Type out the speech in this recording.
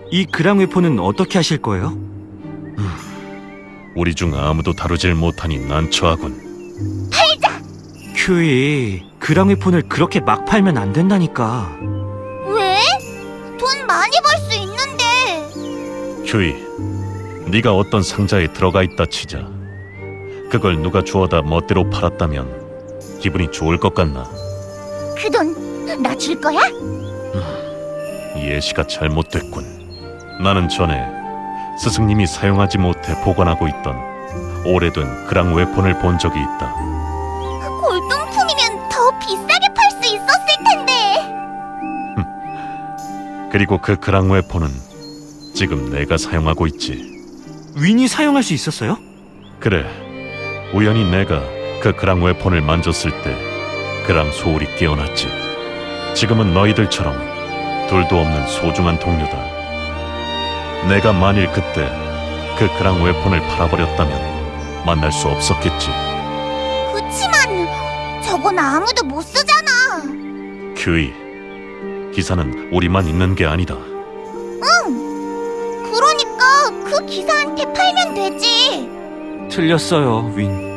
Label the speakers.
Speaker 1: 이 그랑 웨폰은 어떻게 하실 거예요?
Speaker 2: 우리 중 아무도 다루질 못하니 난처하군.
Speaker 1: 큐이, 그랑 웨폰을 그렇게 막 팔면 안 된다니까.
Speaker 3: 왜? 돈 많이 벌 수 있는데.
Speaker 2: 휴이, 네가 어떤 상자에 들어가 있다 치자. 그걸 누가 주워다 멋대로 팔았다면 기분이 좋을 것 같나?
Speaker 3: 그 돈 나 줄 거야?
Speaker 2: 예시가 잘못됐군. 나는 전에 스승님이 사용하지 못해 보관하고 있던 오래된 그랑 웨폰을 본 적이 있다.
Speaker 3: 골동품이면 더 비싸게 팔 수 있었을 텐데.
Speaker 2: 그리고 그 그랑 웨폰은 지금 내가 사용하고 있지.
Speaker 1: 윈이 사용할 수 있었어요?
Speaker 2: 그래, 우연히 내가 그 그랑 웨폰을 만졌을 때 그랑 소울이 깨어났지. 지금은 너희들처럼 둘도 없는 소중한 동료다. 내가 만일 그때 그 그랑 웨폰을 팔아버렸다면 만날 수 없었겠지.
Speaker 3: 그치만 저건 아무도 못 쓰잖아.
Speaker 2: 큐이, 기사는 우리만 있는 게 아니다.
Speaker 3: 그러니까 그 기사한테 팔면 되지.
Speaker 1: 틀렸어요, 윈.